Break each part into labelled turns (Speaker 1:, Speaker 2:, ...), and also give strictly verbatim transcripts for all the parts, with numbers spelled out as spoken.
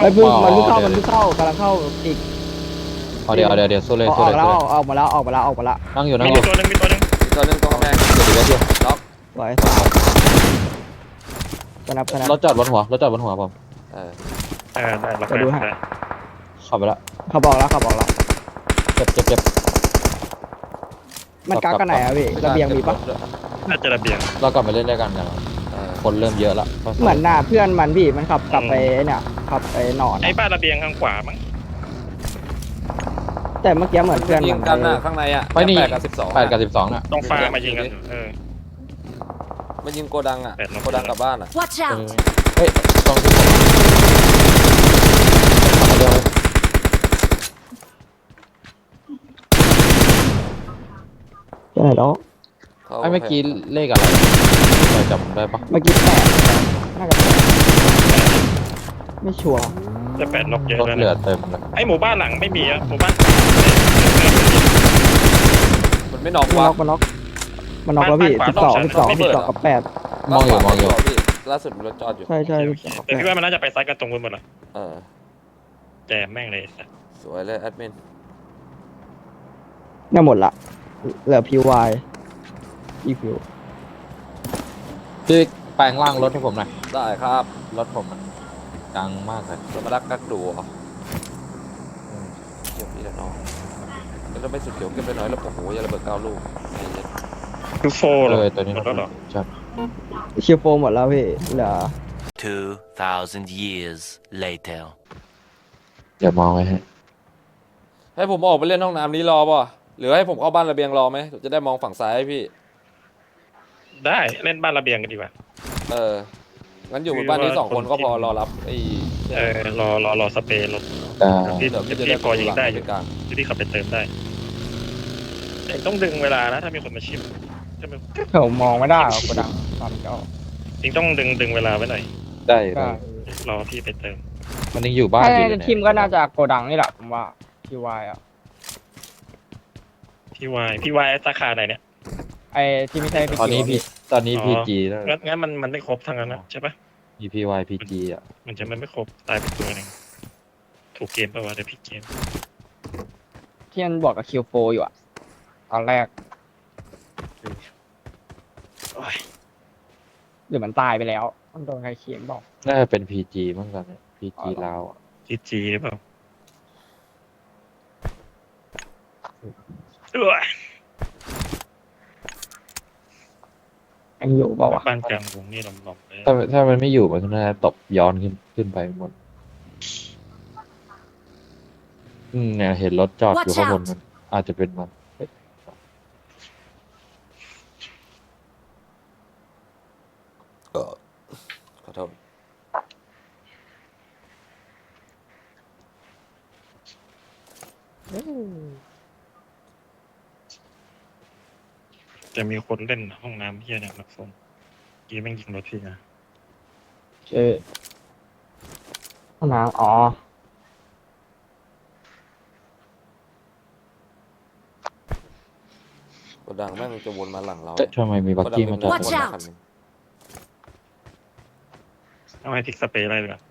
Speaker 1: ไอ้พึ่งมันเพิ่งเข้ามันเพิ่งเข้ากำลังเข้าอีก
Speaker 2: เอาเดี๋ยวเดี๋ยวเดี๋ยวสู้เลย
Speaker 1: อ
Speaker 2: สู้
Speaker 1: อ
Speaker 2: เล
Speaker 1: ก
Speaker 2: ย
Speaker 1: แล้ว
Speaker 2: สู้เลย
Speaker 1: ออกมาแล้วออกมาแล้วออกมาแล้ว
Speaker 2: นั่งอยู่นั่ง
Speaker 3: มี
Speaker 2: อยู่
Speaker 3: ตัวหนึงมีตัวหนึง
Speaker 4: อีกตัวหนึงตรงกำแพง
Speaker 2: เดี๋ยวเดี๋ยวเดี๋ยว
Speaker 4: ล็อก
Speaker 1: ไว้กระนับกระนับ
Speaker 2: รถจอดบนหัวรถจอดบนหัวผม
Speaker 4: เออ
Speaker 3: เออได้เรา
Speaker 1: จะดูให้
Speaker 3: ได้
Speaker 2: ขับไปละ
Speaker 1: เขาบอกแล้วเขาบอกแล้ว
Speaker 2: เจ็บเจ็บเจ็บ
Speaker 1: มันกักกันไหนอะพี่ระเบียงมีปะ
Speaker 3: น่าจะระเบียง
Speaker 2: เรากลับไปเล่นด้วยกันกัน
Speaker 4: เออ
Speaker 2: คนเริ่มเยอะละ
Speaker 1: เหมือนหน้าเพื่อนมันพี่มันขับกลับไปเนี่ยขับไปนอน
Speaker 3: ไอ้บ้านระเบียงข้างขวามั้ง
Speaker 1: แต่เมื่อกี้เหมือนเพื่อน
Speaker 4: ยิ
Speaker 1: มั
Speaker 4: ง
Speaker 1: น
Speaker 4: กันน่ะข้างในอ่ะ
Speaker 2: ไม่นี่
Speaker 4: แปดกับสิบสอง
Speaker 2: แปดกับสิบสองน่ะ
Speaker 3: ต้องฟ้ามายิงกันอยู่เออ
Speaker 4: มันยิงโกดังอ่ะ
Speaker 3: แปดล็อก
Speaker 4: โกดังกลับบ้านอ่ะ
Speaker 5: Watch
Speaker 2: เอ
Speaker 5: out!
Speaker 2: อเฮ้ยตรงที่ผมขับมาเดียวเลย
Speaker 1: ใช่แล้ว
Speaker 4: ขา
Speaker 2: ไอ้เมื่อกี้เลขอะไรเราจำได้ปะ
Speaker 1: เมื่อกี้แปดน่าจะแปดไม่ชัวร์
Speaker 3: จะแปดล็อกเยอะ
Speaker 2: รถ
Speaker 3: แล้ว
Speaker 2: เหลือ
Speaker 3: นะ
Speaker 2: เต็มเลย
Speaker 3: ไอ้หมู่บ้านหลังไม่มีอะหมู่บ้าน
Speaker 4: มันไม่นอก
Speaker 1: มัน
Speaker 4: วะ
Speaker 1: น็อกมันน็อกมันน็อกแล้วพี่สิบสองสิบสองสิบสองกับแปด
Speaker 2: มองอยู่มองอยู่
Speaker 4: พี่ล่าสุดรถจอดอยู่
Speaker 1: ใช่ใช่สิบสองกับ
Speaker 3: แต่
Speaker 1: แป
Speaker 3: พี่
Speaker 1: ด
Speaker 3: ว่ามันน่าจะไปซัดกันตรงบนหมดละ
Speaker 4: เออ
Speaker 3: แจมแม่งเลยสัส
Speaker 4: สวยเลยแอดมิน
Speaker 1: เนี่ยหมดละเหลือพีวายอีฟิว
Speaker 2: พี่แปลงร่างรถให้ผมหน่อย
Speaker 4: ได้ครับ
Speaker 2: รถผมมันดังมากเลย
Speaker 4: เรามารักกักดูเหรอเก็บนี่แหละน้องแล้วเราไม่สุดเขียวเก็บไปหน่อยแล้วโอ้โหอย่าระเบิดเก้าลูกไอ้เหี้ย
Speaker 3: คือโฟ
Speaker 2: เอ
Speaker 3: เหรอ
Speaker 2: อตัวนี้
Speaker 3: หมดแล้วเหรอ
Speaker 2: ใช่
Speaker 1: เชียร์โฟหมดแล้วพี่เหลือ
Speaker 6: Two thousand years later.
Speaker 2: เดี๋ยวมองไว้ให้
Speaker 4: ให้ผมออกไปเล่นห้องน้ำนี้รอป่ะหรือให้ผมเข้าบ้านระเบียงรอไหมจะได้มองฝั่งซ้ายให้พี่
Speaker 3: ได้เล่นบ้านระเบียงกันดีกว่า
Speaker 4: เออ งั้นอยู่บนบ้านนี้สองคนก็พอรอรับไอ้
Speaker 3: เออรอรอรอสเปรย์รถ
Speaker 2: แต่
Speaker 3: พี่
Speaker 4: เดี๋ยวพี่จะ
Speaker 3: พี่
Speaker 4: ได้
Speaker 3: พอยิงได้อยู่
Speaker 4: ด้วยกัน
Speaker 3: ที่พี่ขับไปเติมได้แต่ต้องดึงเวลานะถ้ามีคนมาชิมจะไม่
Speaker 1: ผมมองไม่ได้หรอกกระดังตอนเจ้า
Speaker 3: จริงต้องดึงดึงเวลาไว้หน่อย
Speaker 2: ได้
Speaker 1: ก็
Speaker 2: ได้
Speaker 3: รอพี่ไปเติม
Speaker 2: มันยังอยู่บ้าน
Speaker 1: ถ้า
Speaker 2: อยู่เลย
Speaker 1: ทีมก็น่าจะโกดังนี่แหละผมว่าพีวายอ่ะ
Speaker 3: พี่วายพี่วายสาขาไหนเนี่ย
Speaker 1: ไอ้ที่ไม่ใช่พี่
Speaker 2: ตอนนี้
Speaker 1: เกี
Speaker 2: พี่
Speaker 1: ยว
Speaker 2: ตอนนี้
Speaker 3: อ๋อ
Speaker 2: พีจีแล้ว
Speaker 3: งั้นงั้นมันมันไม่ครบทั้งนั้นนะใช่ปะ
Speaker 2: มีพีวายพีจีอ่ะ
Speaker 3: มันจะไม่ไม่ครบตายไปตัวหนึ่งถูกเกมปะวะเดี๋ยวพี่เกม
Speaker 1: ที่มันบอกกับคิวโฟอยู่อ่ะตอนแรก
Speaker 3: โอ้ย
Speaker 1: หรือมันตายไปแล้วมันโดนใครเขียนบอก
Speaker 2: น่าจะเป็นพีจีมั้งตอนนี้พีจีลาวอ่ะ
Speaker 3: จีจีหรือเปล่าเออ
Speaker 1: ยังอยู่เปล่าวะ
Speaker 3: บ้านกลางวงนี่หลอมๆเลย
Speaker 2: ถ้าถ้ามันไม่อยู่มันก็น่าจะตบย้อนขึ้นขึ้นไปหมดอืมเนี่ยเห็นรถจอดอยู่
Speaker 5: Watch
Speaker 2: ข้างบน
Speaker 5: out
Speaker 2: มันอาจจะเป็นมันเฮ้ย
Speaker 4: เออขอโทษ
Speaker 3: จะมีคนเล่นห้องน้ำเฮียเนี่ยนักฟงกี้แม่งยิงรถพี่นะ
Speaker 1: เออห้องน้ำอ๋อ
Speaker 4: โกดังแม่งจะวนมาหลังเรา
Speaker 2: เอ๊ะทำไมมีบักกี้มาจอด
Speaker 5: Watch
Speaker 2: บน
Speaker 5: out
Speaker 4: คันหนึ่ง
Speaker 3: เอาให้พิกสเปรย์อะไรดีกว่า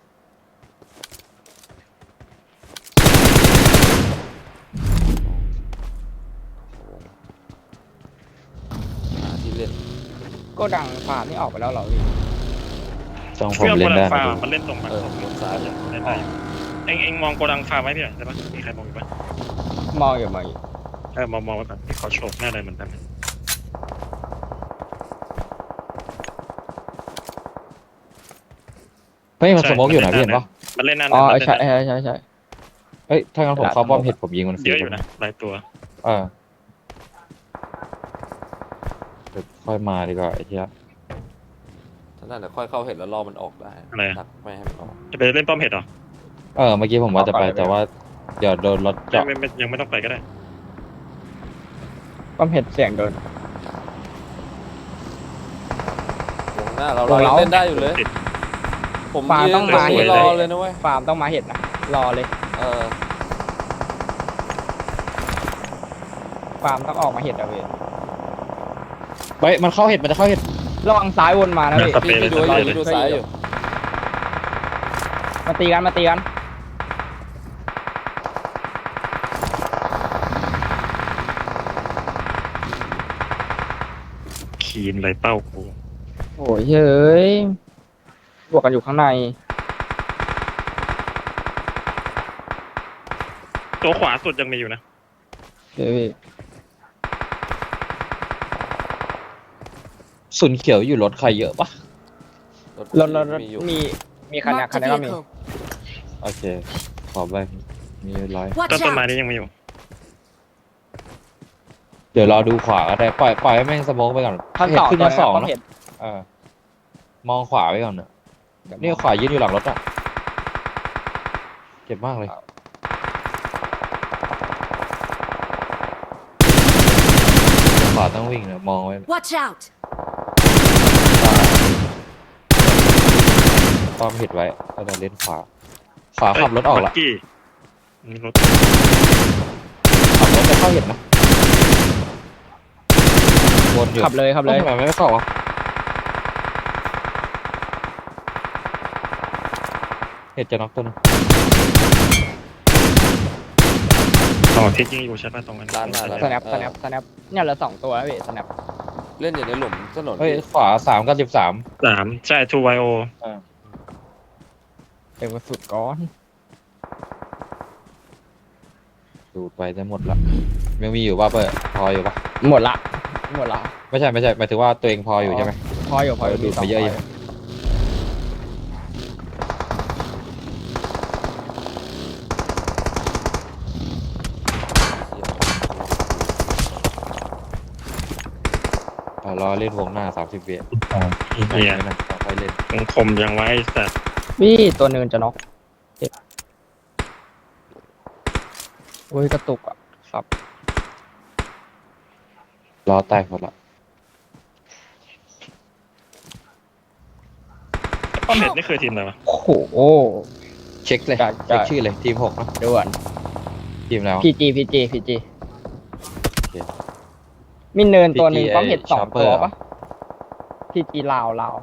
Speaker 4: หาที่เล่น
Speaker 1: โกดังฟาร์มนี่ออกไปแล้วเหรอพี่
Speaker 2: ต้องผม
Speaker 3: เพื่อนโก
Speaker 2: เล่น
Speaker 3: ดั
Speaker 2: ได้
Speaker 3: ง
Speaker 2: นะ
Speaker 3: ฟาร์
Speaker 2: ดู
Speaker 3: มมันเล่นตรงมัน
Speaker 4: เออบนซ้าย
Speaker 3: เล่นได้อยู่เอ็งเอ็งมองโกดังฟาร์มไว้พี่หน่อยได้ปะมีใครมองอยู่ปะ
Speaker 1: มองอยู่มองอยู่
Speaker 3: เออมองมองไว้ก่อนพี่ขอโชว์หน้าเลยเหมือนกัน
Speaker 2: เฮ้ยมันสโมกอยู่นะพี่เห็นปะ
Speaker 3: มันเล่นหน้า
Speaker 1: อ๋อ
Speaker 3: มัน
Speaker 1: ใช่
Speaker 3: เล่นหน้า
Speaker 1: ใช่ใช่ใช่
Speaker 2: เฮ้ยถ้างั้นผมเข้าป้อมเห็ดผมยิงมันฟรี
Speaker 3: เยอะอยู่นะหลายตัว
Speaker 2: เออเดี๋ยวค่อยมาดีกว่าไอ้เหี้ย
Speaker 4: ถ้านั่นแหละค่อยเข้าเห็นแล้วรอมันออกได้
Speaker 3: อะไรอะ
Speaker 4: ดักไม่ให้มันออก
Speaker 3: จะไปเล่นป้อมเห็ดเหรอ
Speaker 2: เออเมื่อกี้ผมว่าจะไปแต่ว่าเดี๋ยวโดนรถ
Speaker 3: ไม่
Speaker 2: เจาะ
Speaker 3: ไม่ไม่ยังไม่ต้องไปก็ได้
Speaker 1: ป้อมเห็ดเสียงโดน
Speaker 4: วงหน้าเรา
Speaker 1: วง
Speaker 4: เรา
Speaker 1: เรา
Speaker 4: ยังเล่นได้อยู่เลย
Speaker 3: ติด
Speaker 4: ผม
Speaker 1: ฟาร์ม
Speaker 4: ยืน
Speaker 1: ต้องมา
Speaker 4: ตร
Speaker 1: เห็น
Speaker 4: นี้รอเลยนะเว้ย
Speaker 1: ฟาร์มต้องมาเห็ดนะรอเลย
Speaker 4: เออ
Speaker 1: ฟาร์มต้องออกมาเห็ดอะเว้ย
Speaker 2: เฮ้ยมันเข้าเห็ดมันจะเข้าเห็ด
Speaker 1: ระวังซ้ายวนมานะพี่
Speaker 3: สเปร
Speaker 4: พี่
Speaker 3: ย์เลย
Speaker 4: พี่ดู
Speaker 3: ส
Speaker 4: อ
Speaker 3: เปร
Speaker 4: ยู่
Speaker 3: ย์เลย
Speaker 4: พี่ดูซ้ายอยู่
Speaker 1: ไปมาตีกันมาตีกัน
Speaker 3: ขีนไรเป้ากู
Speaker 1: โอ้ยเฮ้ยบวกกันอยู่ข้างใน
Speaker 3: ตัวขวาสุดยังมีอยู่นะ
Speaker 1: เฮ้ย
Speaker 2: สุนเขียวอยู่รถใครเยอะปะ
Speaker 1: รถรถรถ
Speaker 4: มีอยู่
Speaker 1: มีมีคันนี้
Speaker 5: Marked
Speaker 1: คัน
Speaker 5: a
Speaker 1: นี้ก็มี
Speaker 5: vehicle.
Speaker 2: โอเคขอไปมีร้อย
Speaker 3: ต้น
Speaker 5: Watch
Speaker 3: ต้นไม้
Speaker 5: out!
Speaker 3: นี้ยังมีอยู่
Speaker 2: เดี๋ยวรอดูขวาก็ได้ปล่อยปล่อยให้แม่งสโมกไปก่อน
Speaker 1: ขั้นสอง
Speaker 2: ขึ้น
Speaker 1: ตัว
Speaker 2: มา
Speaker 1: นี้
Speaker 2: สอง
Speaker 1: ต้อง
Speaker 2: นะ
Speaker 1: เห็น
Speaker 2: เออมองขวาไว้ก่อนเนอะนี่ขวายืนอยู่หลังรถอ่ะเจ็บมากเลยขวาต้องวิ่งนะมองไว้
Speaker 5: Watch out!
Speaker 2: ป้อมเห็ดไว้แล้วเราเล่นขวาขวาขับรถออกละ
Speaker 3: บักกี้มีรถ
Speaker 2: ขับรถจะเข้าเห็นนะวนอยู่
Speaker 1: ขับเลยขับเลย
Speaker 2: ทำไมไม่เข้าวะเห็ดจะน็อกตัวนึง
Speaker 3: ต่อทิศยิงอยู่ใช่ป่ะตรงนั้น
Speaker 4: ร้านมาแล้ว
Speaker 1: สแนปสแนปสแนปเนี่ยเหลือสองตัวแล้วพี่สแนป
Speaker 4: เล่นอยู่ในหลุมถนน
Speaker 2: เฮ้ยขวาสามกับสิบสาม
Speaker 3: สามใช่ทูไวโอ
Speaker 1: เต็มกระสุดก้อน
Speaker 2: ดูดไปจะหมดละยังมีอยู่ป่ะเปิดพออยู่ป่ะ
Speaker 1: หมดละหมดละ
Speaker 2: ไม่ใช่ไม่ใช่หมายถึงว่าตัวเองพออยู่ใช่ไหม
Speaker 1: พออยู่พออยู่
Speaker 2: ดูดไปเยอะอยู่ อ่ะรอเล่นวงหน้าสามสิบวิ
Speaker 3: เฮีย
Speaker 2: ไม่นะค่อยเล่น
Speaker 3: คงคมยังไว้สัตว์
Speaker 1: พี่ตัวเนินจะน็อกเจ็บโอ้ยกระตุกอ่ะครับ
Speaker 2: รอแตกหมดละ
Speaker 3: ป้อมเห็ดนี่คือทีมอะไรวะ
Speaker 1: โอ้โห
Speaker 2: เช็คเลย
Speaker 1: ได้ได้
Speaker 2: เช็คชื่อเลยทีมหกนะ
Speaker 1: ด่วน
Speaker 2: ทีมแล้ว
Speaker 1: พีจีพีจีพีจี
Speaker 2: โอเค
Speaker 1: มีเนินตัวหนึ่ง
Speaker 2: พีจี
Speaker 1: ต้องเห็นสอง
Speaker 2: Chopper
Speaker 1: ตัว
Speaker 2: เหรอ
Speaker 1: ปะพีจีลาวลาว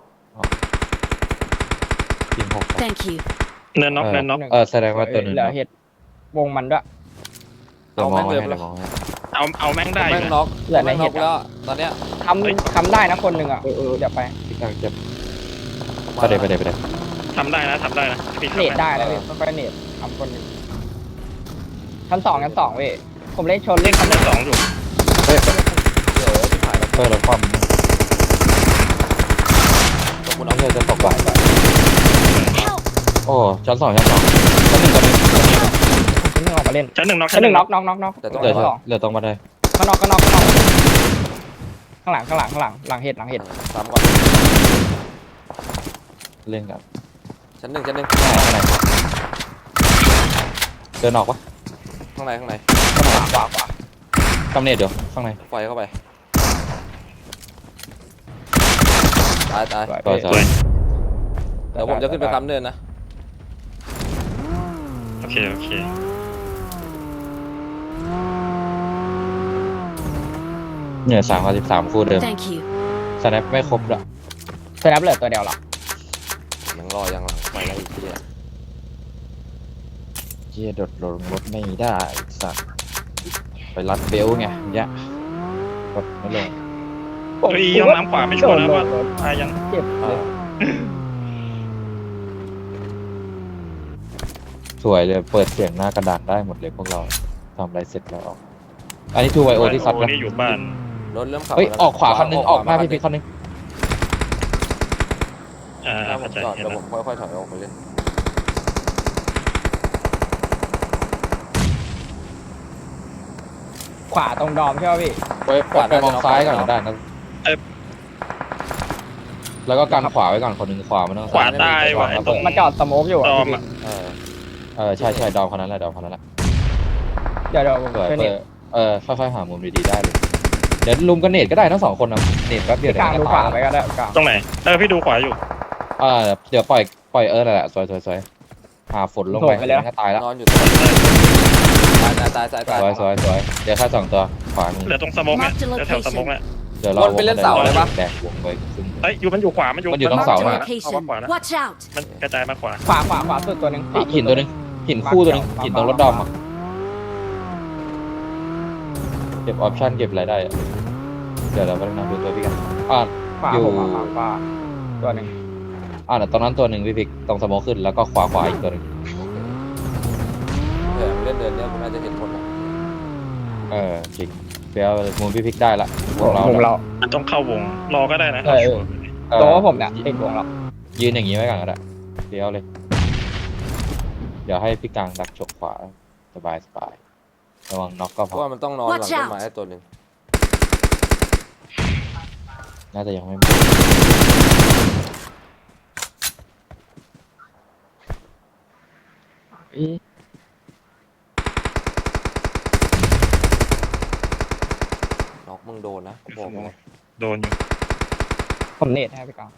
Speaker 2: ทีมหกครับ
Speaker 5: Thank you.
Speaker 3: เนินน็อกเนินน็อก
Speaker 2: เออแสดงว่าตัวหนึง
Speaker 1: เหลือเห็ดวงมันด้วย
Speaker 2: เดี๋ยวมอง
Speaker 4: เอาแม่
Speaker 2: ให้
Speaker 4: งเลย
Speaker 2: เดี๋ยวมองให้
Speaker 3: เอาเอาแม่งได้อ
Speaker 4: แม่ง
Speaker 3: ยู่
Speaker 4: น็
Speaker 3: นะ
Speaker 4: อก
Speaker 1: เหลือใน
Speaker 4: แม่ง
Speaker 1: เห็
Speaker 4: น็อ
Speaker 1: ด
Speaker 4: กแล้วตอนเนี้ย
Speaker 1: คำคำได้นะคนหนึ่งอ่ะเออเออเดี๋ยวไป
Speaker 2: พี่กลางเจ็บไปเดี๋ยวไปเดี๋ยวไปเดี๋ยว
Speaker 3: ทำได้นะทำได้นะพี่
Speaker 1: เนต
Speaker 3: ทำ
Speaker 1: ได้แล้วพี่ค่อยๆเนตทำคนหนึ่งชั้นสองชั้นสองเว้ยผมเล่นชน
Speaker 3: เล่
Speaker 1: เล่
Speaker 3: น
Speaker 1: น
Speaker 3: คำได้สองอยู่
Speaker 2: เฮ้ย
Speaker 4: เดี๋ยวที่ผ่านแล้ว
Speaker 2: เปิดแล้วความ
Speaker 4: ตกบน
Speaker 2: น้อ
Speaker 4: เอา
Speaker 2: งเธอจะตกบ่าย
Speaker 5: Help!
Speaker 2: โอ้ชั้นสองชั้นสองชั้นหนึ่งกับหนึ่ง
Speaker 1: ชั้นหนึ่งออกมาเล่น
Speaker 3: ชั้นหนึ่งน็อก
Speaker 1: ชั้นหนึ่งน็อกน็อกน็อกน็อก
Speaker 4: แต่ต้อง
Speaker 2: เหลือ
Speaker 1: ชั้นสอง
Speaker 2: เหลือตรงมาได้
Speaker 1: ข้างนอกข้างนอกข้างนอกข้างหลังข้างหลังข้างหลังหลังเห็ดหลังเห็ด
Speaker 4: สามก่อน
Speaker 2: เล่นกัน
Speaker 4: ชั้นหนึ่งชั้นหนึ่ง
Speaker 2: ข้างในข้างในเดินออกปะ
Speaker 4: ข้างในข้างใน
Speaker 1: ขวาขวาขวาก
Speaker 2: ำเนิดเดี๋ยวข้างใน
Speaker 4: ไฟเข้าไปตายตาย
Speaker 1: สวย
Speaker 2: ต่อ
Speaker 1: พี่
Speaker 2: ต่อ
Speaker 4: เดี๋ยวผมจะขึ้นไปค้ำเนินนะ
Speaker 3: โอเคโอเค
Speaker 2: เนี่ยสามกับสิบสามคู่เดิม
Speaker 5: Thank you.
Speaker 2: สแนปไม่ครบละ
Speaker 1: สแนปเหลือตัวเดียวหรอ
Speaker 4: ยังรอยังหลังไฟแล้วอีกทีอะ
Speaker 2: เจียโดดลงรถไม่ได้สัตว์ไปรัดเบลต์ไงอย่างเงี้ยกดไม่ลง
Speaker 3: เฮ้ยห้องน้ำขวาไม่ชัวร์นะว่าตายยัง
Speaker 1: เจ็บเลย
Speaker 2: สวยเลยเปิดเสียงหน้ากระดานได้หมดเลยพวกเราทำอะไรเสร็จแล้วออกอันนี้ทูไวโอที่ซัด
Speaker 3: โอ้
Speaker 2: นะ
Speaker 3: นี่อยู่บ้าน
Speaker 4: รถเริ่มขับ
Speaker 2: เฮ้ย
Speaker 4: แล้วะ
Speaker 2: ออกขวาคันนึงออกหน้า
Speaker 4: ขว
Speaker 2: พี่พีคันนึง
Speaker 3: อ่า
Speaker 4: หน้าผ
Speaker 3: เข้าม ใจ
Speaker 4: จอด
Speaker 3: เห็น
Speaker 4: เดี๋ยว
Speaker 3: แล้
Speaker 4: ผ
Speaker 3: ว
Speaker 4: มค่อยๆถอยออกไปเล่น
Speaker 1: ขวาตรงดอมใช่ป่ะพี่
Speaker 2: ไปไปมองซ้ายก่อนก็ได้นะแล้วก็กันขวาไว้ก่อนคนหนึ่งขวามันต้อง
Speaker 3: ขวาตายว่ะไอ้ตรง
Speaker 1: มาจอดสโมกอยู่
Speaker 3: ต
Speaker 1: อ่ะ
Speaker 3: อม
Speaker 1: พี่
Speaker 3: อ่ะ
Speaker 4: เออ
Speaker 2: เออใช่ใช่ดอมคนนั้นแหละดอมคนนั้นแหละ
Speaker 1: เดี๋ยวเดี๋ยวผม
Speaker 2: สวย
Speaker 1: ช่วย
Speaker 2: เปิ
Speaker 1: เน็
Speaker 2: ด
Speaker 1: ต
Speaker 2: เออค่อยๆหามุมดีๆได้เลยเดี๋ยวลุมกันเนตก็ได้ทั้งสองคนนะเนตแป๊บเดียว
Speaker 1: พี่กลาง
Speaker 2: เดี๋
Speaker 1: ดู
Speaker 2: ยว
Speaker 1: ขวา
Speaker 2: ตาย
Speaker 1: ไปก็ได้กลาง
Speaker 3: ตรงไหนเออพี่ดูขวาอยู่
Speaker 2: อ่าเดี๋ยวปล่อยปล่อยเออนั่นแหละสวยสวยสวยหาฝนลงไปงั้นก็ตายแล้ว
Speaker 4: นอนอยู่ตรงตายตายตายตายตาย
Speaker 2: สวยสวยสวยเดี๋ยวแค่สองตัวขวามือ
Speaker 3: เหลือตรงสโมกเนี่ยเหลือแถวสโมกเนี่ย
Speaker 2: เดี๋ยวเรา
Speaker 4: วนไปเล่นเสาได้ปะ
Speaker 2: แบกวงไปครึ่ง
Speaker 3: เอ้ยอยู่มันอยู่ขวามันอยู่
Speaker 2: มันอยู่ตรง
Speaker 3: ม
Speaker 2: เสา
Speaker 3: ขว
Speaker 2: อะ
Speaker 3: นะเอามาขวา
Speaker 5: Location.
Speaker 3: นะ
Speaker 5: Watch out.
Speaker 3: มันกระจายมาขวา
Speaker 1: ขวาขวาขวาสุดตัวหนึ่ง
Speaker 2: เฮ้ยหินตัวหนึงหินคู่ตัวหนึงหินตรงรถดอมอ่ะเก็บออปชั่นเก็บอะไรได้อะเดี๋ยวเราไปนั่งดูตัวพี่กันอ่า
Speaker 1: ขวา
Speaker 2: อยู่
Speaker 1: ผมขวาขวาตัวหนึ่ง
Speaker 2: อ่าตรงนั้นตัวหนึ่งพี่พิกตรงสโมอขึ้นแล้วก็ขวาขวาอีกตัวหนึ่ง
Speaker 4: เออเล่นเดินเนี้ยคุณน่าจะเห็นคนละ
Speaker 2: เออจริงเดี๋ยวมุมพี่พิกได้ละวงเรา
Speaker 1: ผมเรา
Speaker 3: มันต้องเข้าวงรอก็ได้นะ
Speaker 1: เออ
Speaker 2: เออ
Speaker 1: ตัวว่าผมเนี่ยติดวงเรา
Speaker 2: ยืนอย่างนี้ไว้ก่อนก็ได้เดี๋ยวเลย เดี๋ยวให้พี่กลางดักฉกขวาสบายสบายระวังน็อกก็
Speaker 4: เพ
Speaker 2: พอ
Speaker 4: ราะว่ามันต้องนอนหลัง
Speaker 5: Watch
Speaker 4: ต้น
Speaker 5: out
Speaker 4: ไม้ให้ตัวหนึ่ง
Speaker 2: น่าจะยังไม่หมด
Speaker 1: อี
Speaker 4: น็อกมึงโดนนะกูบอกเลย
Speaker 3: โดนอยู่
Speaker 1: ผมเนตให้ไปก่อน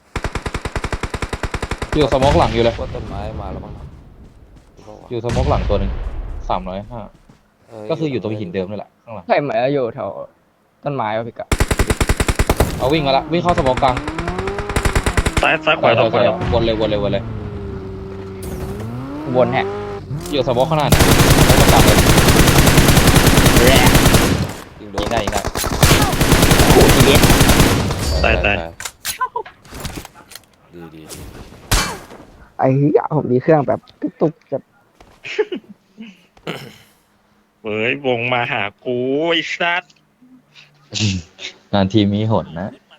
Speaker 2: อยู่สโมกหลังอยู่เลย
Speaker 4: ว่าต้นไม้มาแล้วมั้งกูบอกว่า
Speaker 2: อยู่สโมกหลังตัวหนึ่งสามร้อยห้า
Speaker 4: เ
Speaker 2: ก็คืออยู่ตรงหินเดิมนี่แหละข้างหลัง
Speaker 1: ใช่เหมือนจะอยู่แถวต้นไม้วะพี่กะ
Speaker 2: เอาวิ่งมาละวิ่งเข้าสโมกกลาง
Speaker 3: ซ้ายซ้ายขวา
Speaker 2: ใช่
Speaker 3: ซ้ายข
Speaker 2: ใช่
Speaker 3: วา
Speaker 2: วนเลยวนเลยวนเลย
Speaker 1: วนแฮะ
Speaker 2: อยู่สโมกข้างหน้าเนี่ยสโมกกลางเลย
Speaker 4: ยิงโด
Speaker 2: ยิ
Speaker 4: น
Speaker 2: งได้ยิงได้
Speaker 1: โอ้ทีเดียว
Speaker 3: ตายตาย
Speaker 4: ดีดีดี
Speaker 1: ไอ้เหี้ยผมมีเครื่องแบบตุกๆจะ
Speaker 3: เฮ้ยวงมาหากูไอ้สัส
Speaker 2: นานทีมีหนนะ